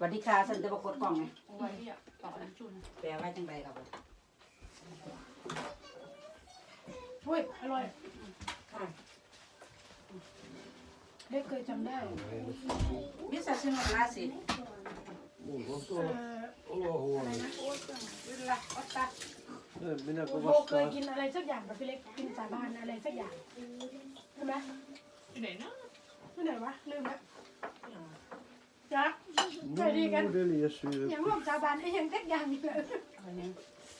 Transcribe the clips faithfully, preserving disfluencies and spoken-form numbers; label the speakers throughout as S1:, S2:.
S1: วัสดีค่ะฉันจะบอกกดกล่องไง
S2: ไว้ที่อ่ะต่ออันจุน
S1: แปลไว้จังใดครับ
S3: อุ้ยอร่อยเด็กเคยจำได้
S1: มิสซิมาลาสิ
S3: เอ่อ
S4: Olohuone.
S1: วิลล่าออตตา
S4: Eh, minä
S3: โบ
S4: kun
S3: เคย
S4: vastaan.
S3: กินอะไรสักอย่างกับพี่เล็กกินสาบานอะไรสักอย่างใช่ไหม
S2: ไหนนะ
S3: ที่ไหนวะลืมแล้วจ้ะเคยดีกัน
S4: Nudeljessyre.
S3: อย่างร่วมสาบานไอ้ยังสักอย่างนี่เลย
S1: อะไรเนี่ย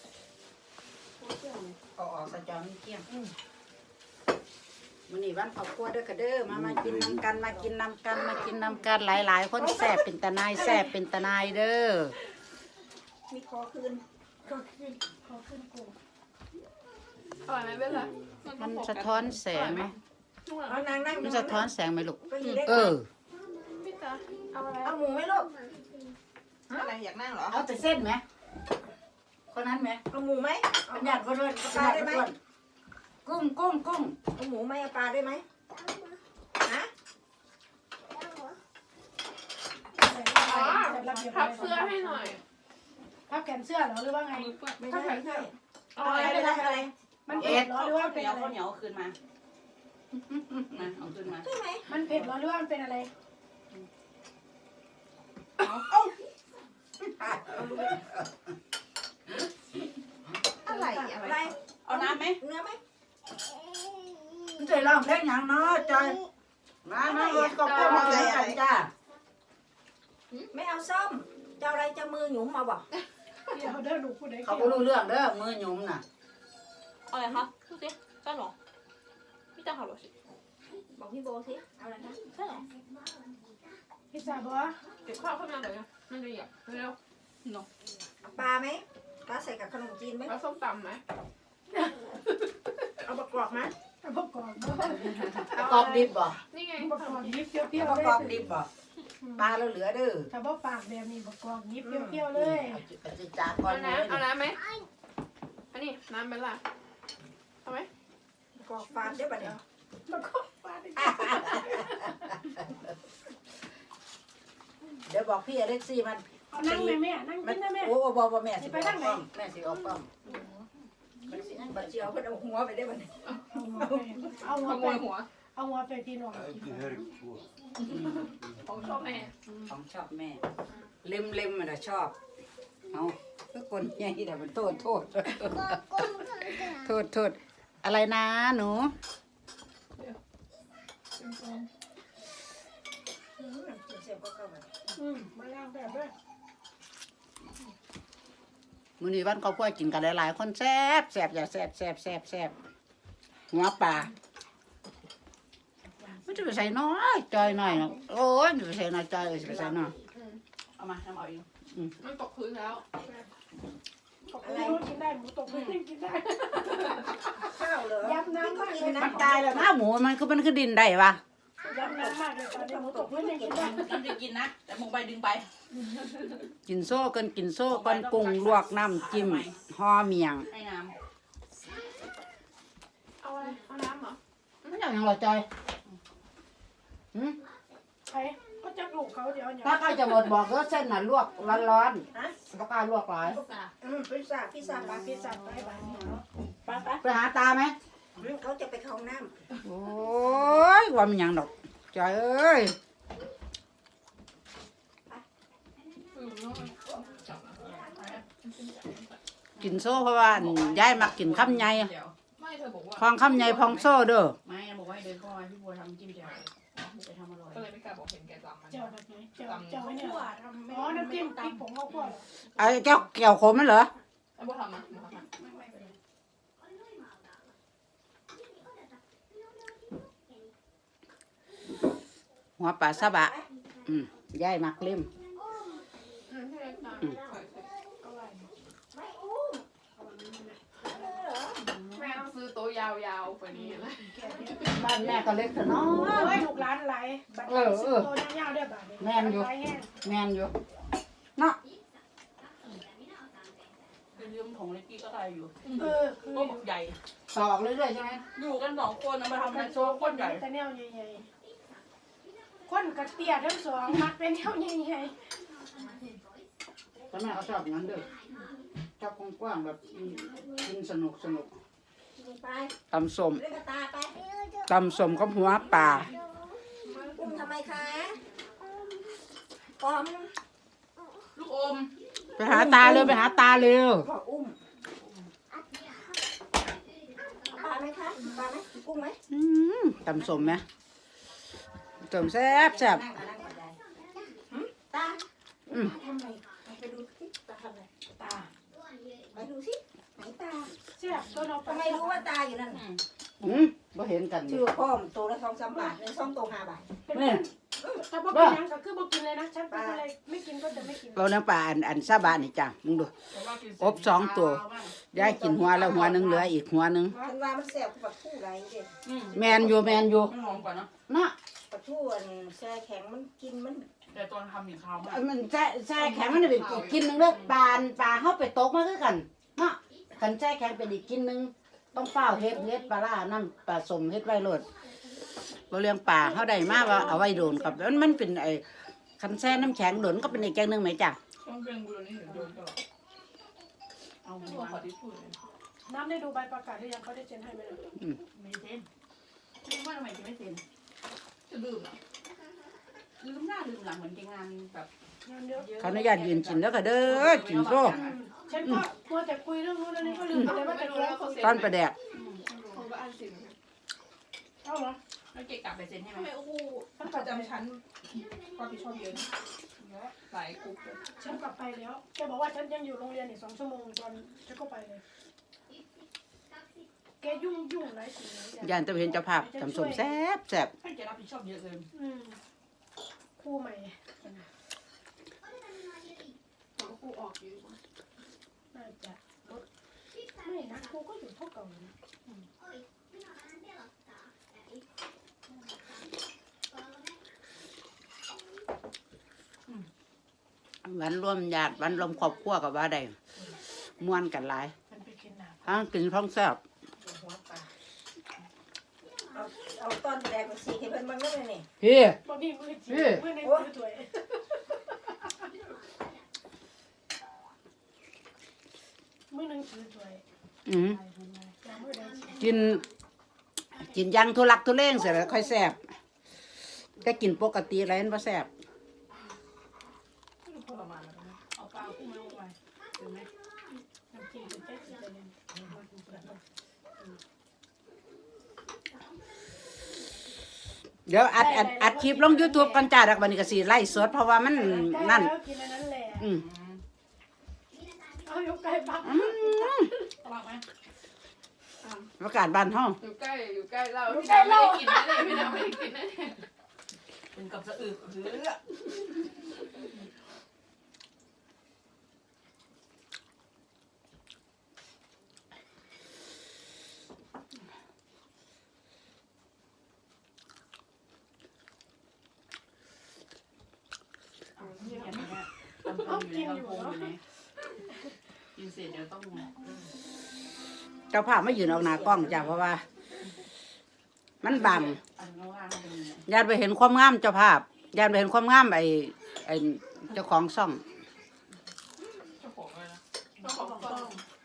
S1: เอาออกสะจอมีเกี้ยงมื้อนี้วันครอบครัวเด้อค่ะเด้อมามากินน้ำกันมากินน้ำกันมากินน้ำกันหลายๆคนแซ่บเป็นตาหนายแซ่บเป็นตาหนายเด้อ
S5: มีคอคืน
S3: ขอขึ้นขอขึ้นกู
S2: อร่อยไหมเบลล่ะ
S1: มันสะท้อนแสงไหม
S5: เอานางนั่ง
S1: มันสะท้อนแสงไหมลูก
S5: ก็อยู่ได้
S1: เออ
S2: พี่ตาเอาอะไร
S5: เอาหมูไหมลูกอะไรอยากนั่งเหรอ
S1: เอาแต่เส้นไหมคนนั้นไหม
S5: เอาหมูไหมเอา
S1: เป็นญาติคนด้วยเป็นญาติคนด้วยกุ้งกุ้งกุ้ง
S5: เอาหมูไหมเอาปลาได้ไหมฮะ
S2: พับเสื้อให้หน่อย
S3: พับแขนเสื้อเหรอหรือว่าไง
S5: ไม่ใช่ไม่ใช่
S2: เอา
S5: อะ
S2: อะไร ไร
S5: อะไรอะไร
S3: มันเผ็ดเหรอหรือว่า
S1: เห
S3: เป็น
S1: นียว
S3: อะไร
S1: ข้าวเหนียวคืนมามาเอาคืนมา
S5: ใช่ไหม
S3: มันเผ็ดเหรอหรือว่ามันเป็นอะไร
S5: อะไรอะไร
S1: เอาน้ำไหม
S5: เนื้อไหม
S1: มันจะลองเพลงอย่างน้อยจอยมามาเออก็ก็มาเลยจ้า
S5: ไม่เอาส้มจะอะไรจะมือหยุมมาบอก
S3: เดี๋ยวเด้อหนูพูดได้
S1: เขาก็รู้เรื่องเด้อมือหยุ่มน่ะ
S2: เอาอะไรคะพูดสิใช่หรอพี่ตาขับรถสิ
S5: บอกพี่โบสิเอาอะไรนะ
S2: ใช่หรอ
S3: พิซซ่าบอ
S2: เก็บข้าวขึ้นมาเดี๋ยวมันจะหยับเร็ว
S5: เอาปลาไหมปลาใส่กับขนมจีนไหม
S2: แล้วส้มตำไหม
S5: เอาประกอบไหม
S3: ประกอบบ่
S1: ประกอบดิบบ่
S2: นี่ไง
S3: ประกอบยิบเปรี้ยว
S1: ประ
S3: ๆเล
S1: กอบ
S3: ย
S1: ดิบบ่ปลาเราเหลือเด้อ
S3: ถ้าบ่ปากแบบนี้ประกอบยิบเปรี้ยวๆเลย
S1: เอาจิจากก่อ
S2: เอา
S1: น
S2: น้ำเอาน้ำไหมอันนี้น้ำเบลล่ะเอาไหม
S5: ประกอบฟานได้ปะเนี่ย
S3: ประกอบปาด
S1: เดี๋ยวบอกพี่อเล็กซี่มัน
S3: เอานั่งแม่แม่นั่ง
S1: มั
S3: กิ
S1: น
S3: นนะแม่
S1: โอ้บอกว่าแม่สิออกกล้องแม่สิออกกล้อง
S5: บัดเจียวเพิ่นเอาหัวไปได้ปะเนี่ย
S3: เอาหัว
S2: ข
S3: ไป
S2: โมยหัว
S3: เอาหัวไปพี่น้อง
S4: Äiti herkkua.
S2: ของชอบแม่
S1: ของชอบแม่เล็มเล็มมันชอบเอาทุกคนใหญ่แต่มันโทษโทษโทษโทษอะไรนะหนู
S5: เสียบก็เข้าไป
S3: อืมมาล้างแบบด้วย
S1: มื้อนี้วันครอบครัวกินกันหลายๆคนแซ่บแซ่บอย่าแซ่บแซ่บแซ่บแซ่บหัวปลาไม่จะไปใส่น้อยจอยหน่อยนะโอ้ยจะไปใส่น้อยจอยเออจะไปใส่น้อยเอามาทำเอาเอง
S2: มันตกพื้นแล้ว
S3: ตกพื้นกินได้หมูตกพื้นกินได้
S5: ข้าวเหรอ
S3: ยับน้ำมากเลย
S1: มันตายแล้วนะหมูมันคือมันคือดินได้ปะ
S3: ยับน้ำมากเลยตอนนี้หมูตกพื้นกินได้
S2: มันจะกินนะแต่มึงไปดึงไป
S1: กินโซ่กันกินโซ่กันปรุงลวกน้ำจิ้มห่อเมียง
S2: ให้น้ำเอาอะไรเอาน้ำเหรอ
S1: ไม่อย่างยังหรอจอยหืม
S3: ใครก็จะลูกเขาเดี๋ยวเนี่ย
S1: ถ้าใกล้จะหมดบอกก็เส้นน่ะลวกร้อนๆปากกาลวกหลาย
S5: อืมพิซซ่าพิซซ่าปลา
S3: พิ
S5: พิ
S3: ซ
S5: ซ
S3: ซ่า
S5: ซ่า
S3: ไปบ้านเนี่ย
S5: ปลาปลา
S1: ไปหาตาไหม
S5: เขาจะไปเข้าน้
S1: โอ้ยว่ามันหยังดอกจอยเอ้ยกินโซ่เพราะว่าอันยายมักกินข้ามใหญ่
S2: ไม่เธอบอกว่า
S1: พองข้ามใหญ่พองโซ่เด้อ
S6: ไม่บอกว่าให้เดินเข้ามาพี่บัวทำจิ้มแจ่วไปทำอร่อย
S2: ก็เลยไม่กล้าบอกเห็นแกจำมัน
S3: เจ้าแบบไหนเจ้าเจ้าเนี่ยอ๋อน้ำจิ้มพริกผงข้าวคั่ว
S1: ไอ้แก้วแก้วขมมันเหรอ
S2: ไอ้บัวทำนะบัวทำ
S1: หัวปลาซาบะอืมยายมักเล่ม
S2: อืมใช่ค่ะ แม่ต้องซื้อโต๊ะยาวๆกว่านี้นะ
S1: บ้านแม่ก็เล็กแต่น้อ
S3: โอ้
S1: ย
S3: ยลูกหลานไหลบัตรสิบตัวยาวๆด้วยบาท
S1: แม่นอยู่
S3: ไหลแห้ง
S1: แม่นอยู่เนาะ
S6: เป็นเรื่องของเล็กกี้ก็ได้อยู่
S3: เออคือ
S6: ก็บอกใหญ่
S1: สอกเรื่อยๆใช่ไหม
S6: อยู่กันสองคนนะมาทำเป็นโซ่ก้นใหญ่
S3: แต่แนวใหญ่ๆคนกระเตี้ยทั้งสองมักเป็นแนวใหญ่ๆ
S1: แม่เขาชอบอย่างนั้นด้วยชอบกว้างๆแบบกินสนุกสนุก
S5: ไป
S1: ตำส้ม
S5: เล่นกับตาไป
S1: ตำส้มกับหัวปลา
S5: อุ้มทำไมคะปอม
S2: ลูกอม
S1: ไปหาตาเร็วไปหาตาเร็ว
S5: ขออุ้มปลาไหมคะปลาไหมกุ้งไหม
S1: อืมตำส้มไหมส้มแซ่บแซ่บ
S5: นั่งก่อนนั่งก่อนได้หึตา
S1: อืม
S5: ทำไมไปดูสิตาทำอะไรตาไปดูสิไหนตา
S3: เสียบก็เรา
S5: ทำไมรู้ว่าตาอยู่นั่น
S1: อืมบ่เห็นกัน
S5: ชื่อพ่อมตัวละสองสามบาทเลยสองตัวห้าบาท
S1: นี่
S3: ถ้าบอกกินยังก็คือบอกกินเลยนะฉันเป็นอะไรไม่กินก็จะไม่กิน
S1: เราเนื้อปลาอันอันซาบะนี่จ้ะมึงดู อบสองตัว ยายกินหัวแล้วหัวหนึงเหลืออีกหัวหนึง
S5: มันว่ามันแสบกับผู้ไรเด็ด
S1: แมนอยู่แมนอยู่
S2: มันหอมกว่าเนาะ
S1: นะ
S5: ปลาทูอันแช่แข็งมันกินมัน
S2: แต่ตอนทำมีข้าวมาก
S1: มันแช่แช่แข็งมันเป็นอีกกินหนึงเด้อปลาอันปลาเข้าไปตกมาคือกันเนาะกันแช่แข็งเป็นอีกกินหนึงต้องเฝ้าเฮ็ดเฮ็ดปลาร้านั่นปลาสมเฮ็ดไว้โลดบ่เลี้ยงปลาเฮาได้มาว่าเอาไว้โดนครับแล้วมันเป็นไอ้คันแช่น้ำแข็งโดนก็เป็นอีกแกงหนึงไหมจ้ะ
S2: ต้องเป็นบุญนี่เห็นโดนตลอดเอาหัวขอที่พูดเลย
S3: น้ำได้ดูใบประกาศหรือยังเขาได้เซ็นให้ไหมล่ะ
S2: ไม่เซ็นไม่ว่าทำไมจะไม่เซ็นจะลืมอ่ะลืมหน้าลืมหลังเหมือนแกงานแบบ
S3: งานเยอะ
S1: ขออนุญาตยืนกินแล้วก็เด้อกินโซ่
S3: ฉันก็มัวแต่คุยเรื่องนู้นเรื่องนี้ก็ลืมไปเลยว่าจะแก้คน
S1: ตอนประแดก
S2: ผมก็อ่านสิ
S3: เอาเหรอ
S2: แล้วเกะกลับไปเซ็นให้ไหม
S6: ทำไมโอ้โหท่านประจำชั้นความผิดชอบเยอะนะเยอะหลายกลุ่มเลย
S3: ฉันกลับไปแล้วแกบอกว่าฉันยังอยู่โรงเรียนอีกสองชั่วโมงตอนฉันก็ไปเลยแกยุ่งยุ่งหลายสิ่งหลายอย่าง
S1: ย่านตะเห็นเจ้าภาพทำสมแซ่บแซ่บ
S2: ให้แกรับผิดชอบเยอะเลย
S3: อืมครูใหม่
S6: ผมก็กูออกอยู่
S3: น่าจะลดไม่นะครูก็อยู่เท่าเก่าอยู่นะ
S1: วันรวมญาติวันรวมครอบครัวกับว่าได้ม่วนกันหลาย
S3: มันไปกินน้ำ
S1: ทั้งกินท้องแซ่บ
S5: หัวปลาเอาเอาตอนแรกมาสีให้เพิ่นมันก็เลยนี่
S1: พี่
S3: บอกนี่มือจีมือในมือถวยมือหนึ่งถือถวย
S1: อืม
S3: อย่างมือใดสิ
S1: กิน กินอยังทุลักทุเลงเสร็จแล้วค่อยแซ่บแต่กินปกติอะไรนั่นบ่แซ่บ
S2: ทรมานแล้วนะ
S3: เอาปลาคู่มาลงไปเห็นไหมน้ำจิ้มเป็นแค่สีแดง
S1: เดี๋ยวอัดอัดอัดคลิปลง YouTube กันจ้าดักบันนี้ก็สิไล่สดเพราะว่ามันนั่น
S3: กินอันนั้นแหละ
S1: อืม
S3: เอายกไก่ปัก
S1: อืม
S2: อร่อยไหม
S1: อากาศบ้านเฮา
S6: อยู่ใกล้อยู่ใกล้เราพี่ดาไม่ได้กินนะเนี่ยพี่ดาไม่ได้กินนะเนี่ย
S2: เป็นกับสะอึกหรือ เนี่ยเนี่ยลำโพงอยู่ในลำโพงอยู่ไหนกินเสร็จเดี๋ยวต้อง
S1: เจ้าภาพไม่ยืนออกหน้ากล้องจ้าเพราะว่า มันบัง
S2: อันข้างล่างเป็นยังไง
S1: ญาติไปเห็นความงามเจ้าภาพญาติไปเห็นความงามไอ้ไอ้เจ้าของซ่อง
S6: เจ้าของอะไรนะเจ้าของกล้อง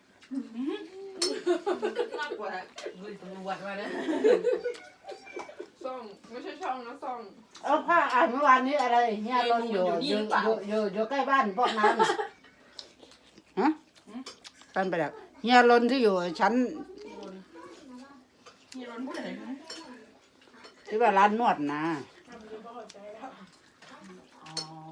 S2: น่ากลัวนะเฮ้ยตำรวจมาเนี่ย
S6: ซ่องไม่ใช่ช่องนะซ่อง
S1: เออผ้าอ่านเมื่อวานนี้อะไรเฮียรนอยู่อยู่อยู่อยู่อยู่ใกล้บ้านพวกนั้นน่ะฮะตันไปแล้วเฮียรนที่อยู่ชั้น
S2: มีร้อนพูดอะไรนะ
S1: ที่ว่าร้านนวดนะ
S3: ทำดีก็เข้าใจแล้ว
S2: อ๋อ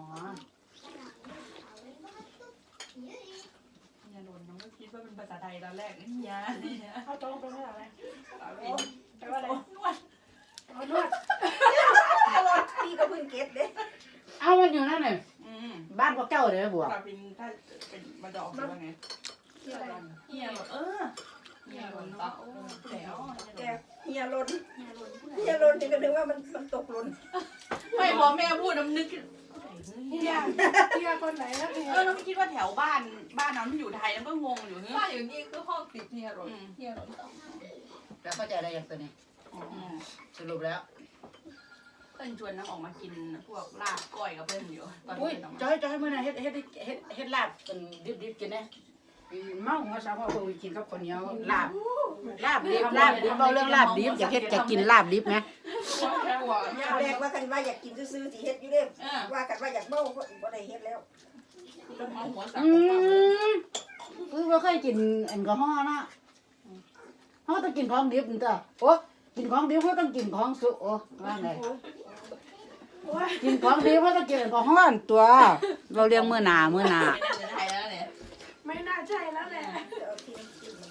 S2: เนี่ยโดนน้องก็คิดว่าเป็นภาษาไทยตอนแรกเนี่ยเนี่ย
S3: เอาตรงไปไม่ได้อะไร
S2: เอาเป็น
S3: แปลว่าอะไร
S2: นวด
S3: เอานวด
S5: ตลอดพี่ก็เพิ่งเก็ตเด้
S1: เอามันอยู่นั่นเลย
S2: อืม
S1: บ้านพวกเจ้าเลยบวก
S2: กลับเป็นถ้าเป็นมาดอกหรือว่าไง
S3: ที่อะไร
S2: เฮียหรอเออเฮียหรอเนาะโอ้แล้ว
S5: แกเฮียลนเฮียลนนี่ก็นึกว่ามันมันตกหล่น
S2: ไม่พอแม่พูดน้ำนึก
S3: เฮียเฮียคนไหนนะเฮีย
S2: เออเราไม่คิดว่าแถวบ้านบ้านนั้นมันอยู่ไทยแล้วก็งงอยู่เฮ้
S6: บ้าย นอยู่นี่คือห้องติดเฮียรถเฮียรถ
S1: แล้วเข้าใจอะไรอย่างตัวนี้
S2: อืม
S1: สรุปแล้ว
S6: แต่
S2: พิ่นชวนน้ำออกมากินพวกลาบก้อยกับเพิ่นอยู่ตอน
S1: อุ้ย
S2: เพิ่นออกมา
S1: จอยจอยมื้อนั้นเฮ็ดเฮ็ดเฮ็ดเฮ็ดลาบเป็นดิบๆกินนะเมาหัวสาวพ่อเพิ่นกินกับข้าวเหนียวลาบลาบดิบลาบดิบเว้าเรื่องลาบดิบอยากเฮ็ดจะกินลาบดิบไหม
S2: กลัว
S5: ยาแรกว่ากันว่าอยากกินซื่อๆสิเฮ็ดอยู่เด้
S2: เออ
S5: ว่ากันว่าอยากเมาก็บ่ได้เฮ็ดแล้ว
S2: ต้องเอาหัวสับ
S1: อื
S2: ของป้าเลย
S1: มคือบ่เคยกินแอลกอฮอล์นะเฮาต้องกินของดิบนี่จ้ะโอ้กินของดิบเฮาต้องกินของสุกโอ้ว่าไง
S3: โอ้ย
S1: กินของดิบเฮาต้องกินแอลกอฮอล์ตัว เราเลี้ยงมื้อหน้ามื้อหน้า
S2: ไม่น่าจะได้แล้วเนี่ย
S3: ไม่น่าใช่แล้วแหละ
S5: เอาที่กิน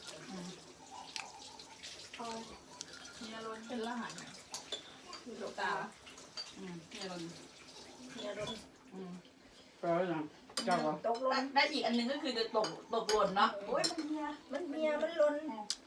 S3: เอา
S2: เนี่ยรนเป็นรหัสคือลูกตาอืมเนี่ยรน
S5: เนี่ยรถ
S2: อืม
S1: เออจังเจ้าก็
S5: ตกหล่
S2: ได้
S5: น
S2: ได้อีกอันหนึงก็คือจะตกตกหล่นเนาะ
S5: โอ้ยมันเมียมันเมียมันหล่น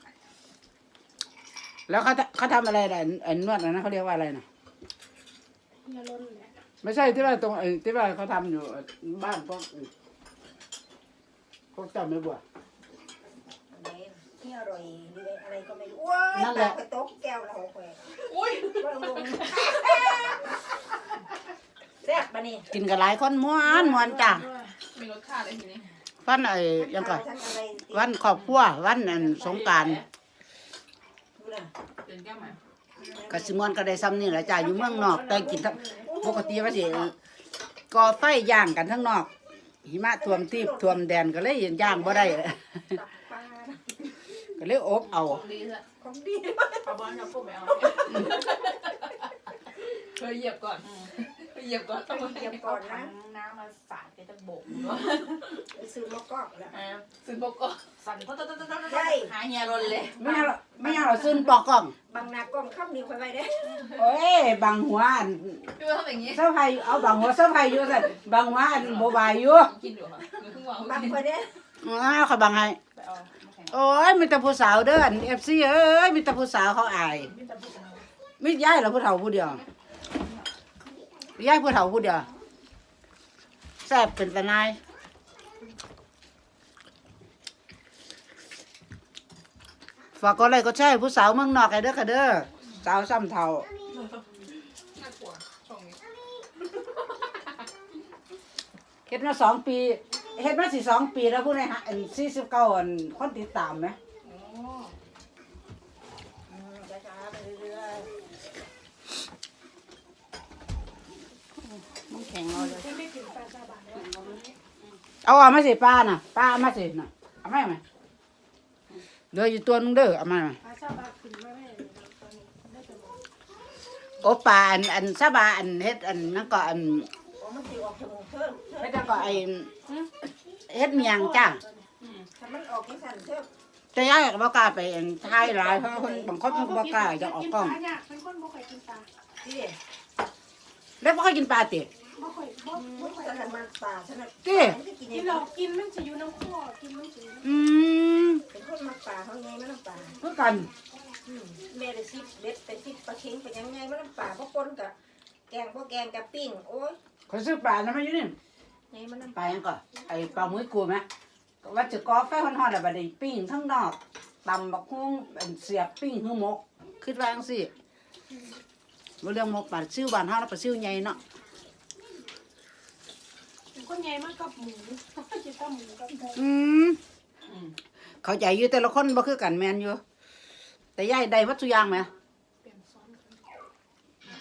S1: แล้วเขาเขาทำอะไรน่ะไอ้นวดน่ะนะเขาเรียกว่าอะไรน่ะ
S3: เงินล้นแหละ
S1: ไม่ใช่ที่ว่าตรงไอ้ที่ว่าเขาทำอยู่บ้านพวกพวกเจ้าไม่บัว
S5: อะไรที่อร่อยหรืออะไรก็ไม่รู้ว้ายตากไปตกแก้วละหกแหวก
S2: อุ้ย
S5: ว่าลงแซ่บปะนี่
S1: กินกับหลายคนม้วนม้วนจ้ะ
S2: มีรสชาติอะไรทีนี้
S1: วันไอ้ยังก็
S5: ทั้งอะไร
S1: วันครอบครัววันอันสงกรานต์
S5: ดูน่ะ
S2: เป็นแก้วไหม
S1: กสิมวนก็ได้ซ้ำนี่แหละจ้ะอยู่เมืองนอก แต่กินทั้งปกติว่าสิก่อไฟย่างกันทั้งนอก หิมะท่วมที่ท่วมแดนก็เลยย่างบ่ได้
S5: ตับปลา
S1: ก็เลยอบเอา
S2: ของดีซะ
S5: ของดี
S2: เอาบอลกับพวกไปเอาเคยเหยียบก่อนเคยเหยียบก่อน
S5: ต้องเตรียมก่อนนะ
S2: น้ำมาสาดไปตะโบกเนาะ
S5: ไปซื้อมะกอกแล้ว
S2: ซึ่งพวกก็สั่นก็ต้องต้องต้องต้องหาเฮียรนเลย
S1: ไม่เอาหรอกไม่เอาหรอกซึนปอกกล้อง
S5: บางนากล้องข้ามนิ้วไปไว้ได้
S1: โอ้ยบางหัวอัน
S2: พี่ว่าทำอย่างนี้
S1: เสื้อไผ่เอาบางหัวเสื้อไผ่อยู่สั่นบางหัวอันบ่บายอยู่
S2: กินอยู่ค่ะหรือเพิ่งวาง
S5: บางคนเนี่ย
S1: อ้าวเขาบางให้
S2: ไปเอาแข่ง
S1: โอ้ยมีแต่ผู้สาวเด้ออัน เอฟ ซี เอ้ยมีแต่ผู้สาวเขาอายมีย้ายเหรอผู้เฒ่าผู้เดียวย้ายผู้เฒ่าผู้เดียวแซ่บเป็นตะนายฝากกดไลค์กดแชร์ให้ผู้สาวเมืองนอกให้เด้อค่ะเด้อสาวซ้ำเฒ่า
S2: น่ากลัวช่วงนี้
S1: เฮ็ดมาสองปีเฮ็ดมาสิสองปีแล้วผู้ใดหาอันสี่สิบเก้าอันคนติดตามไหม
S2: อ๋อ
S5: ช้าๆไปเรื่อย
S1: มันแข็งเอาเลย
S3: ที่ไม่ถึงปลาซาบะแล้ว
S1: เอาเอามาสิป้าน่ะป้าเอามาสิน่ะเอามาไหมเหลืออยู่ตัวนึงเด้อเอามาไหม
S3: ปลาซาบะขึ้นมาไม่ได้ตอนนี้ได้แต่หมด
S1: โอปลาอันอันซาบาอันเฮ็ดอันนั่นก็อัน
S5: ๆโอ้มันสิออกจมูกเพิ่ม
S1: เฮ็ดแล้วก็ไอ้เฮ็ดเมียงจ้า
S5: ถ้ามันออกที่สั่นเพิ่ม
S1: แต่ยายก็บ่กล้าไปอันถ่ายหลายเพราะคนบางคนมันบ่กล้าจะออกกล้อง
S3: ปลาเนี่ยเป็นคนบ่ค่อยกินปลา
S5: ที่
S1: แล้วบ่ค่อยกินปลาติ
S3: บ่ค่อยบ่บ่ค่อย
S5: ฉันมันปลาฉัน
S1: ติ
S5: มันจะกิน
S3: กิ
S5: ยั
S3: น
S5: ง
S3: หร
S5: ไง
S3: อกกินมันจะอยู่น้ำข้อกินมันจะอยู่
S1: อืม
S5: เป็นคนมักปลาเขาไงมันน้ำปลา
S1: คือกัน
S5: แม่ได้ซิปเด็ดไปซิปปลาเค็งไปยังไงมันน้ำปลาพวกปนกับแกงพวกแกงกับปิ้งโอ้ย
S1: เขาซื้อปลานะมาอยู่นี่
S5: ไงมันน้ำ
S1: ปลาหยังก็ไอ้ปลาหมุ้ยกูไหมว่าจะก่อไฟฮ้อนๆแล้วบัดนี้ปิ้งทั้งนอกตำบักฮุ้งอันเสียบปิ้งคือหมกคิดว่าจังซี่บ่เรื่องหมกปลาซิ่วบ้านเฮาแล้วปลาซิ่วใหญ่เนาะ
S3: เป็นคนใหญ่มากกับหมูจะต้องหมูกับไก่
S1: อืมเข้าใจอยู่แต่ละคนบ่คือกันแม่นอยู่แต่ยายได้วัตถุกอย่างไหม
S3: เปลี่ยนซ้อนกัน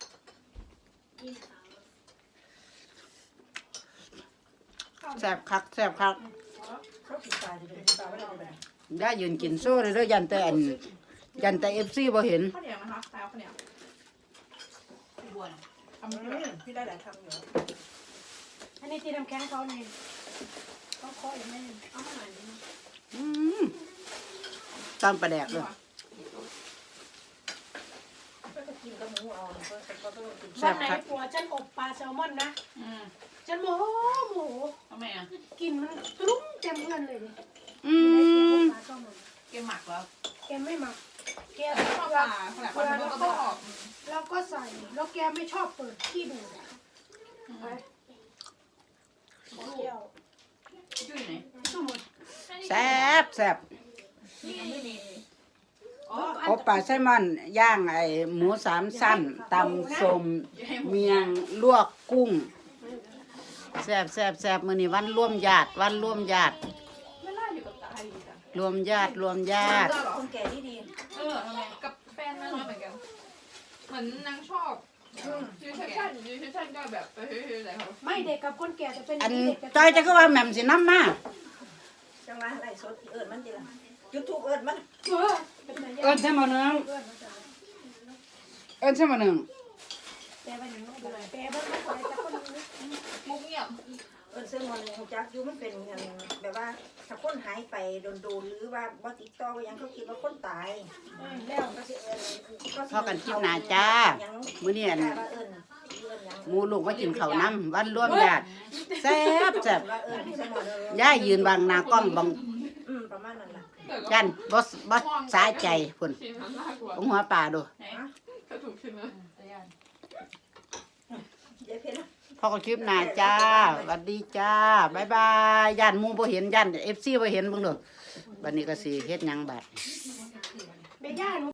S1: แซ่บคักแซ่บคัก
S5: เขากินปลาจะเป็นปลาไม่ได้แบบ
S1: ยายยืนกินโซ่เลยเด้อยันแต่อันยันแต่ เอฟ ซี บ่เห็น
S2: ข้าวเหนียวนะคะข้าวข้าวเหนียวพี่บัวเนี่ยทำ
S5: อื
S2: ไม่ได้
S5: มพี่ได้หลายคำอยู่
S3: อันนี้ที่น้ำแข็งเขาเนี่ยเขาเคาะอีกไม่เอามาหน่อยนึง
S1: อืมตามปลาแดกเลย
S5: ก็จะกินกับหมูเอาก็ก็ต้องกิน
S1: แซ่
S3: วัน
S1: บ
S3: ไหน
S1: ครับ
S3: ผัวฉันอบปลาแซลมอนนะ
S2: อืม
S3: ฉันโมโหโมโห
S2: ทำไมอ่ะ
S3: กลินมันตรุ้งเต็มเงินเลยนี่
S1: อืม
S3: ปลาก็มัน
S2: เกมหมักแล้ว
S3: แกไม่หมักแก
S2: ชอบปลาขนาดปลาก็ต้องออก
S3: แล้วก็ใส่แล้วแกไม่ชอบเปิดที่ดูดอะไปขอเที่ยว
S2: จุ้ยไหน
S3: สู้หมด
S1: แซ่บแซ่บ
S2: นี่ไม่มี
S3: อ๋ออัน
S1: อบปลาไซลมอนย่างไอ้หมูสามสั้นตำส้มเมียงลวกกุ้งแซ่บแซ่บแซ่บมื้อนี้วันร่วมญาติวันร่วมญาติ
S2: ไม่ล่าอยู่กับตาอยู่จ้ะ
S1: รวมญาติรวมญาติ
S5: คนแก่ที่ดี
S2: เออทำไมกับแฟนนางน้อยเหมือนกัน เหมือนนางชอบยูชั่นชั่นยูชั่นชั่นก็แบบไปเฮ้ยๆอะไรเขา
S3: ไม่เด็กกับคนแก่จะเป็น
S1: อัน
S3: เด็กกับ
S1: จอยจะก็ว่าแหม่มสิน้ำมา
S5: จังหวะไรสดเอิญมันดีละยูทูบเอิญมัน
S3: เออเป็นไง
S1: เอิ้นใช่มื้อนึงเอิ้นใช่มื้อนึง
S3: แปลว่าอย่างนั้นเลยแปลว่าไม่ควรจะคนนึง
S2: มุกเงียบ
S5: เอิญเสื้อมันหูจักยูมันเป็นอย่างแบบว่าถ้าคนหายไปโดนๆหรือว่าบ่ติดต่อว่ายังเขาคิดว่าคนตาย
S3: แล้ว
S5: ก็สิเอิญก็
S1: พอกันคลิปหน้าจ้ามื้อนี้อัน
S5: ว่าเอิญเอิญยัง
S1: หมูลูกมากินข้าวน้ำวันร่วมญาติแซ่บแซ่บ
S5: ว่าเอิญเสื้อมันเลย
S1: ย่ายืนบังหน้ากล้องบัง
S5: อืมประมาณนั้นล่ะ
S1: ยันบ่บ่สายใจพุ่น
S2: ชิมมันน่ากลัว
S1: ของหัวปลาดู
S2: ไหนถ้าถูกชิมเลย
S5: เดี๋ยวเพิ่น
S1: พอกันคลิปหน้าจ้าสวัสดีจ้าบ๊ายบายย่านหมู่บ่เห็นย่าน เอฟ ซี บ่เห็นเบิ่งเด้อบัดนี้ก็สิเฮ็ดหยังบัด
S3: แม่ย่าหนู